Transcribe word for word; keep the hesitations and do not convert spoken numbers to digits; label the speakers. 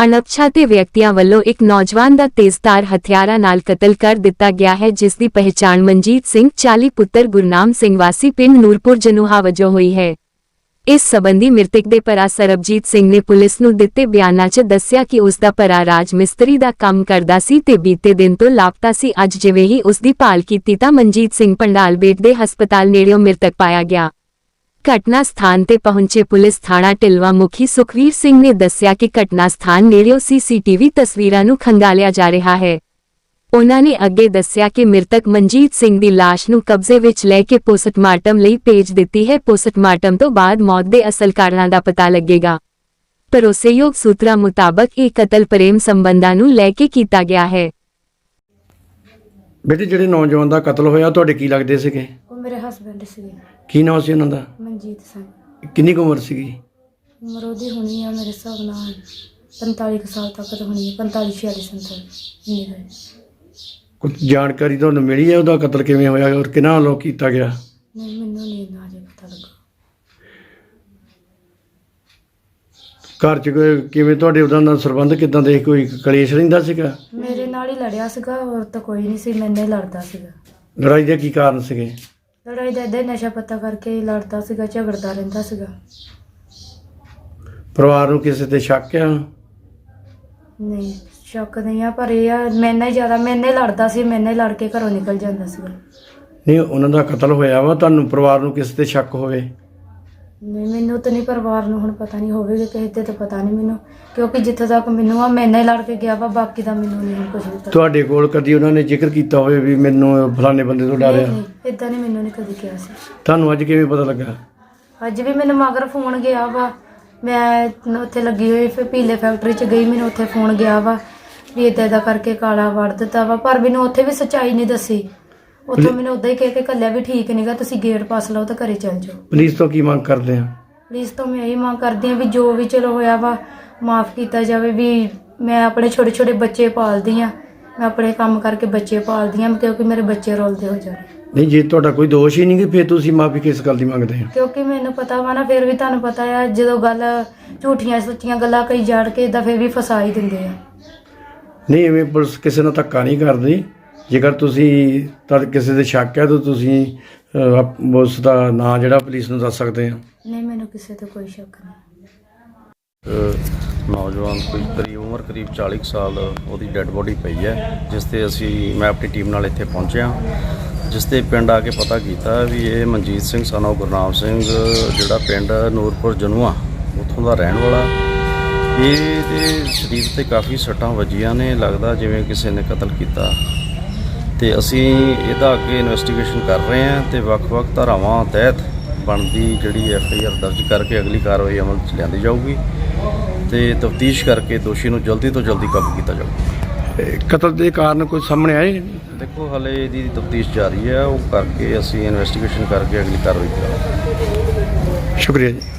Speaker 1: ਅਣਪਛਾਤੇ ਵਿਅਕਤੀਆਂ ਵੱਲੋਂ ਇੱਕ ਨੌਜਵਾਨ ਦਾ ਤੇਜ਼ਧਾਰ ਹਥਿਆਰਾਂ ਨਾਲ ਕਤਲ ਕਰ ਦਿੱਤਾ ਗਿਆ ਹੈ, ਜਿਸ ਦੀ ਪਹਿਚਾਣ ਮਨਜੀਤ ਸਿੰਘ ਚਾਲੀ ਪੁੱਤਰ ਗੁਰਨਾਮ ਸਿੰਘ ਵਾਸੀ ਪਿੰਡ ਨੂਰਪੁਰ ਜਨੂਹਾ ਵਜੋਂ ਹੋਈ ਹੈ। ਇਸ ਸਬੰਧੀ ਮ੍ਰਿਤਕ ਦੇ ਭਰਾ ਸਰਬਜੀਤ ਸਿੰਘ ਨੇ ਪੁਲਿਸ ਨੂੰ ਦਿੱਤੇ ਬਿਆਨਾਂ 'ਚ ਦੱਸਿਆ ਕਿ ਉਸ ਦਾ ਭਰਾ ਰਾਜ ਮਿਸਤਰੀ ਦਾ ਕੰਮ ਕਰਦਾ ਸੀ ਤੇ ਬੀਤੇ ਦਿਨ ਤੋਂ ਲਾਪਤਾ ਸੀ। ਅੱਜ ਜਿਵੇਂ ਹੀ ਉਸ ਦੀ ਭਾਲ ਕੀਤੀ ਤਾਂ ਮਨਜੀਤ ਸਿੰਘ ਪੰਡਾਲ ਬੇਟ ਦੇ ਹਸਪਤਾਲ ਨੇੜਿਓਂ ਮ੍ਰਿਤਕ ਪਾਇਆ ਗਿਆ। ਘਟਨਾ ਸਥਾਨ ਤੇ ਪਹੁੰਚੇ ਪੁਲਿਸ ਥਾਣਾ ਢਿਲਵਾਂ ਮੁਖੀ ਸੁਖਵੀਰ ਸਿੰਘ ਨੇ ਦੱਸਿਆ ਕਿ ਘਟਨਾ ਸਥਾਨ ਨੇੜਿਓਂ ਸੀਸੀਟੀਵੀ ਤਸਵੀਰਾਂ ਨੂੰ ਖੰਗਾਲਿਆ ਜਾ ਰਿਹਾ ਹੈ। ਉਨ੍ਹਾਂ ਨੇ ਅੱਗੇ ਦੱਸਿਆ ਕਿ ਮ੍ਰਿਤਕ ਮਨਜੀਤ ਸਿੰਘ ਦੀ ਲਾਸ਼ ਨੂੰ ਕਬਜ਼ੇ ਵਿੱਚ ਲੈ ਕੇ ਪੋਸਟਮਾਰਟਮ ਲਈ ਭੇਜ ਦਿੱਤੀ ਹੈ। ਪੋਸਟਮਾਰਟਮ ਤੋਂ ਬਾਅਦ ਮੌਤ ਦੇ ਅਸਲ ਕਾਰਨਾਂ ਦਾ ਪਤਾ ਲੱਗੇਗਾ। ਭਰੋਸੇਯੋਗ ਸੂਤਰਾਂ ਮੁਤਾਬਕ ਇਹ ਕਤਲ ਪ੍ਰੇਮ ਸੰਬੰਧਾਂ ਨੂੰ ਲੈ ਕੇ ਕੀਤਾ ਗਿਆ ਹੈ।
Speaker 2: ਬੇਟੇ, ਜਿਹੜੇ ਨੌਜਵਾਨ ਦਾ ਕਤਲ ਹੋਇਆ ਤੁਹਾਡੇ ਕੀ ਲੱਗਦੇ ਸੀਗੇ?
Speaker 3: ਉਹ ਮੇਰੇ ਹਸਬੈਂਡ ਸੀਗੇ।
Speaker 2: ਕੀ ਨਾਮ ਸੀ ਉਹਨਾਂ ਦਾ?
Speaker 3: ਮਨਜੀਤ ਸਿੰਘ।
Speaker 2: ਕਿੰਨੀ ਕੁ ਉਮਰ ਸੀਗੀ?
Speaker 3: ਉਮਰ ਉਹਦੀ ਹੋਣੀ ਆ ਮੇਰੇ ਹਿਸਾਬ ਨਾਲ ਪੰਤਾਲੀ ਕੁ ਸਾਲ ਤੱਕ ਤਾਂ ਹੋਣੀ ਹੈ, ਪੰਤਾਲੀ ਛਿਆਲੀ ਸੰਤਾਲੀ ਇੰਨੀ ਹੋਈ।
Speaker 2: ਕੁਝ ਜਾਣਕਾਰੀ ਤੁਹਾਨੂੰ ਮਿਲੀ ਹੈ ਉਹਦਾ ਕਤਲ ਕਿਵੇਂ ਹੋਇਆ ਔਰ ਕਿਹਨਾਂ ਵੱਲੋਂ ਕੀਤਾ ਗਿਆ?
Speaker 3: ਨਹੀਂ, ਮੈਨੂੰ ਨਹੀਂ ਇੰਨਾ ਅਜੇ ਪਤਾ ਲੱਗਾ।
Speaker 2: ਘਰ 'ਚ ਕੋਈ ਕਿਵੇਂ ਤੁਹਾਡੇ ਉਹਦਾ ਨਾਲ ਸੰਬੰਧ ਕਿੱਦਾਂ ਦੇ? ਕੋਈ ਕਲੇਸ਼ ਰਹਿੰਦਾ ਸੀਗਾ?
Speaker 3: ਮੇਰੇ ਨਾਲ ਹੀ ਲੜਿਆ ਸੀਗਾ, ਹੋਰ ਤਾਂ ਕੋਈ ਨਹੀਂ ਸੀ, ਮੈਨੇ ਹੀ ਲੜਦਾ ਸੀਗਾ।
Speaker 2: ਲੜਾਈ ਦੇ ਕੀ ਕਾਰਨ ਸੀਗੇ?
Speaker 3: ਲੜਾਈ ਦਾ ਏਦਾਂ ਹੀ ਨਸ਼ਾ ਪੱਤਾ ਕਰਕੇ ਹੀ ਲੜਦਾ ਸੀਗਾ, ਝਗੜਦਾ ਰਹਿੰਦਾ ਸੀਗਾ।
Speaker 2: ਪਰਿਵਾਰ ਨੂੰ ਕਿਸੇ ਤੇ ਸ਼ੱਕ ਆ?
Speaker 3: ਨਹੀਂ, ਸ਼ੱਕ ਨਹੀਂ ਆ, ਪਰ ਇਹ ਆ ਮੈਨੇ ਹੀ ਜ਼ਿਆਦਾ ਮੈਨੇ ਲੜਦਾ ਸੀ, ਮੈਨੇ ਹੀ ਲੜ ਕੇ ਘਰੋਂ ਨਿਕਲ ਜਾਂਦਾ ਸੀਗਾ।
Speaker 2: ਨਹੀਂ, ਉਹਨਾਂ ਦਾ ਕਤਲ ਹੋਇਆ ਵਾ, ਤੁਹਾਨੂੰ ਪਰਿਵਾਰ ਨੂੰ ਕਿਸੇ ਤੇ ਸ਼ੱਕ ਹੋਵੇ?
Speaker 3: ਨਹੀਂ, ਮੈਨੂੰ ਤਾਂ ਨਹੀਂ, ਪਰਿਵਾਰ ਨੂੰ ਹੁਣ ਪਤਾ ਨਹੀਂ ਹੋਵੇਗਾ, ਕਿਸੇ ਤੇ ਤਾਂ ਪਤਾ ਨਹੀਂ ਮੈਨੂੰ, ਕਿਉਂਕਿ ਜਿੱਥੇ ਤੱਕ ਮੈਨੂੰ ਆ ਮੈਨੇ ਲੜ ਕੇ ਗਿਆ ਵਾ, ਬਾਕੀ ਦਾ ਮੈਨੂੰ ਨਹੀਂ ਕੁਝ ਵੀ ਪਤਾ।
Speaker 2: ਤੁਹਾਡੇ ਕੋਲ ਕਦੀ ਉਹਨਾਂ ਨੇ ਜ਼ਿਕਰ ਕੀਤਾ ਹੋਵੇ ਵੀ ਮੈਨੂੰ ਫਲਾਣੇ ਬੰਦੇ ਤੋਂ ਡਰਿਆ?
Speaker 3: ਨਹੀਂ, ਇਦਾਂ ਨਹੀਂ, ਮੈਨੂੰ ਨਹੀਂ ਕਦੀ ਕਿਹਾ ਸੀ।
Speaker 2: ਤੁਹਾਨੂੰ ਅੱਜ ਕਿਵੇਂ ਪਤਾ ਲੱਗਾ?
Speaker 3: ਅੱਜ ਵੀ ਮੈਨੂੰ ਮਗਰ ਫੋਨ ਗਿਆ ਵਾ, ਮੈਂ ਉੱਥੇ ਲੱਗੀ ਹੋਈ ਫਿਰ ਪੀਲੇ ਫੈਕਟਰੀ 'ਚ ਗਈ, ਮੈਨੂੰ ਉੱਥੇ ਫੋਨ ਗਿਆ ਵਾ ਵੀ ਇੱਦਾਂ ਦਾ ਕਰਕੇ ਕਾਲਾ ਵੜ ਦਿੱਤਾ ਵਾ, ਪਰ ਮੈਨੂੰ ਉੱਥੇ ਵੀ ਸੱਚਾਈ ਨਹੀਂ ਦੱਸੀ। ਉੱਥੋਂ ਮੈਨੂੰ ਉੱਦਾਂ ਹੀ ਕਹਿ ਕੇ ਘੱਲਿਆ ਵੀ ਠੀਕ ਨਹੀਂਗਾ, ਤੁਸੀਂ ਗੇਟ ਪਾਸ ਲਓ ਤਾਂ ਘਰੇ ਚੱਲ ਜਾਓ।
Speaker 2: ਪੁਲਿਸ ਤੋਂ ਕੀ ਮੰਗ ਕਰਦੇ ਆ?
Speaker 3: ਪੁਲਿਸ ਤੋਂ ਮੈਂ ਇਹੀ ਮੰਗ ਕਰਦੀ ਹਾਂ ਵੀ ਜੋ ਵੀ ਚਲੋ ਹੋਇਆ ਵਾ ਮਾਫ਼ ਕੀਤਾ ਜਾਵੇ। ਵੀ ਮੈਂ ਆਪਣੇ ਛੋਟੇ ਛੋਟੇ ਬੱਚੇ ਪਾਲਦੀ ਹਾਂ, ਮੈਂ ਆਪਣੇ ਕੰਮ ਕਰਕੇ ਬੱਚੇ ਪਾਲਦੀ ਹਾਂ, ਕਿਉਂਕਿ ਮੇਰੇ ਬੱਚੇ ਰੋਲਦੇ ਹੋ ਜਾਣ।
Speaker 2: ਨਹੀਂ, ਜੇ ਤੁਹਾਡਾ ਕੋਈ ਦੋਸ਼ ਹੀ ਨਹੀਂ ਕਿ ਫਿਰ ਤੁਸੀਂ ਮਾਫੀ ਕਿਸ ਗੱਲ ਦੀ ਮੰਗਦੇ ਆ?
Speaker 3: ਕਿਉਂਕਿ ਮੈਨੂੰ ਪਤਾ ਵਾ ਨਾ, ਫਿਰ ਵੀ ਤੁਹਾਨੂੰ ਪਤਾ ਆ ਜਦੋਂ ਗੱਲ ਝੂਠੀਆਂ ਸੱਚੀਆਂ ਗੱਲਾਂ ਕਈ ਜਾੜ ਕੇ ਇਦਾਂ ਫਿਰ ਵੀ ਫਸਾ ਹੀ ਦਿੰਦੇ ਆ।
Speaker 2: ਨਹੀਂ, ਐਵੇਂ ਪੁਲਿਸ ਕਿਸੇ ਨਾਲ ਧੱਕਾ ਨਹੀਂ ਕਰਦੀ। ਜੇਕਰ ਤੁਸੀਂ ਤਾਂ ਕਿਸੇ ਦੇ ਸ਼ੱਕ ਹੈ ਤਾਂ ਤੁਸੀਂ ਅਹ, ਉਸ ਦਾ ਨਾਂ ਜਿਹੜਾ ਪੁਲਿਸ ਨੂੰ ਦੱਸ ਸਕਦੇ ਆ।
Speaker 3: ਨਹੀਂ, ਮੈਨੂੰ ਕਿਸੇ ਤੇ ਕੋਈ ਸ਼ੱਕ ਨਹੀਂ।
Speaker 4: ਨੌਜਵਾਨ ਕੋਈ ਕਰੀਬ ਉਮਰ ਕਰੀਬ ਚਾਲੀ ਕੁ ਸਾਲ ਉਹਦੀ ਡੈੱਡ ਬੋਡੀ ਪਈ ਹੈ, ਜਿਸ 'ਤੇ ਅਸੀਂ ਮੈਂ ਆਪਣੀ ਟੀਮ ਨਾਲ ਇੱਥੇ ਪਹੁੰਚਿਆ, ਜਿਸ 'ਤੇ ਪਿੰਡ ਆ ਕੇ ਪਤਾ ਕੀਤਾ ਵੀ ਇਹ ਮਨਜੀਤ ਸਿੰਘ ਸਨ ਆਫ ਗੁਰਨਾਮ ਸਿੰਘ, ਜਿਹੜਾ ਪਿੰਡ ਨੂਰਪੁਰ ਜਨੂਆ ਉੱਥੋਂ ਦਾ ਰਹਿਣ ਵਾਲਾ। ਇਹਦੇ ਸਰੀਰ 'ਤੇ ਕਾਫੀ ਸੱਟਾਂ ਵੱਜੀਆਂ ਨੇ, ਲੱਗਦਾ ਜਿਵੇਂ ਕਿਸੇ ਨੇ ਕਤਲ ਕੀਤਾ। ਅਤੇ ਅਸੀਂ ਇਹਦਾ ਅੱਗੇ ਇਨਵੈਸਟੀਗੇਸ਼ਨ ਕਰ ਰਹੇ ਹਾਂ ਅਤੇ ਵੱਖ-ਵੱਖ ਧਾਰਾਵਾਂ ਤਹਿਤ ਬਣਦੀ ਜਿਹੜੀ ਐਫ ਆਈ ਆਰ ਦਰਜ ਕਰਕੇ ਅਗਲੀ ਕਾਰਵਾਈ ਅਮਲ 'ਚ ਲਿਆਂਦੀ ਜਾਊਗੀ ਅਤੇ ਤਫਤੀਸ਼ ਕਰਕੇ ਦੋਸ਼ੀ ਨੂੰ ਜਲਦੀ ਤੋਂ ਜਲਦੀ ਕਾਬੂ ਕੀਤਾ ਜਾਊਗਾ।
Speaker 2: ਕਤਲ ਦੇ ਕਾਰਨ ਕੋਈ ਸਾਹਮਣੇ ਆਏ?
Speaker 4: ਦੇਖੋ, ਹਾਲੇ ਇਹਦੀ ਤਫਤੀਸ਼ ਜਾਰੀ ਹੈ, ਉਹ ਕਰਕੇ ਅਸੀਂ ਇਨਵੈਸਟੀਗੇਸ਼ਨ ਕਰਕੇ ਅਗਲੀ ਕਾਰਵਾਈ ਕਰਾਂਗੇ।
Speaker 2: ਸ਼ੁਕਰੀਆ ਜੀ।